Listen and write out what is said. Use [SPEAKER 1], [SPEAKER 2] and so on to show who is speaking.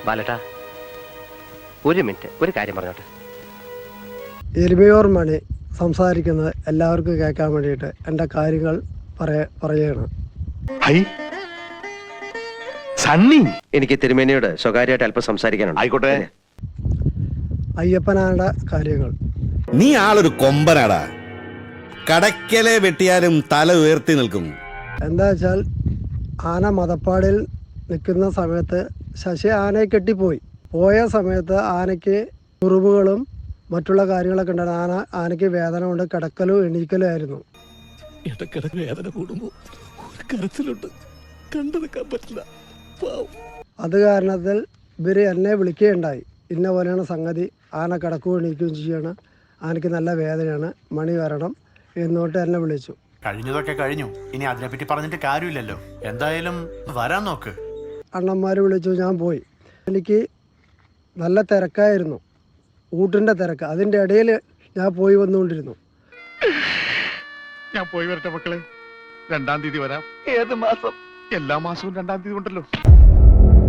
[SPEAKER 1] ബാലട്ടാ, ഒരു മിനിറ്റ്, ഒരു കാര്യം പറഞ്ഞോട്ടെ.
[SPEAKER 2] എരുമയോർ മണി സംസാരിക്കുന്നത് എല്ലാവർക്കും കേൾക്കാൻ വേണ്ടിയിട്ട് എൻ്റെ കാര്യങ്ങൾ പറയുകയാണ്.
[SPEAKER 1] സണ്ണി, എനിക്ക് തിരുമേനിയോട് സ്വകാര്യമായിട്ട് അല്പം സംസാരിക്കാനുണ്ട്.
[SPEAKER 3] ആയിക്കോട്ടെ.
[SPEAKER 2] അയ്യപ്പനാരുടെ കാര്യങ്ങൾ.
[SPEAKER 4] നീ ആളൊരു കൊമ്പനാടാ. കടക്കലെ വെട്ടിയാലും തല ഉയർത്തി നിൽക്കും.
[SPEAKER 2] എന്താ വെച്ചാൽ ആന മതപ്പാടിൽ നിൽക്കുന്ന സമയത്ത് ശശി ആനയെ കെട്ടിപ്പോയി. പോയ സമയത്ത് ആനയ്ക്ക് മുറിവുകളും മറ്റുള്ള കാര്യങ്ങളൊക്കെ ഉണ്ടായിരുന്നു. ആനയ്ക്ക് വേദന കൊണ്ട് കിടക്കലും എണീക്കലും ആയിരുന്നു.
[SPEAKER 5] ഇടക്കിടക്ക് വേദന കൂടുമ്പോൾ ഒരു കരച്ചിലുണ്ട്, കണ്ടെടുക്കാൻ പറ്റില്ല.
[SPEAKER 2] അത് കാരണത്തിൽ ഇവർ എന്നെ വിളിക്കുകയുണ്ടായി. ഇന്ന പോലെയാണ് സംഗതി, ആന കിടക്കുകയും എണീക്കുകയും ചെയ്യണം, ആനയ്ക്ക് നല്ല വേദനയാണ്, മണി വരണം എന്നോട്ട് എന്നെ വിളിച്ചു.
[SPEAKER 6] കഴിഞ്ഞതൊക്കെ കഴിഞ്ഞു, ഇനി അതിനെപ്പറ്റി പറഞ്ഞിട്ട് കാര്യമില്ലല്ലോ. എന്തായാലും വരാൻ നോക്ക്.
[SPEAKER 2] അണ്ണന്മാർ വിളിച്ചു, ഞാൻ പോയി. എനിക്ക് നല്ല തിരക്കായിരുന്നു, ഊട്ടിൻ്റെ തിരക്ക്. അതിൻ്റെ ഇടയിൽ ഞാൻ പോയി വന്നുകൊണ്ടിരുന്നു.
[SPEAKER 3] ഞാൻ പോയി വരട്ടെ മക്കളെ, 2-ാം തീയതി വരാം. ഏത് മാസം? എല്ലാ മാസവും 2-ാം തീയതി ഉണ്ടല്ലോ.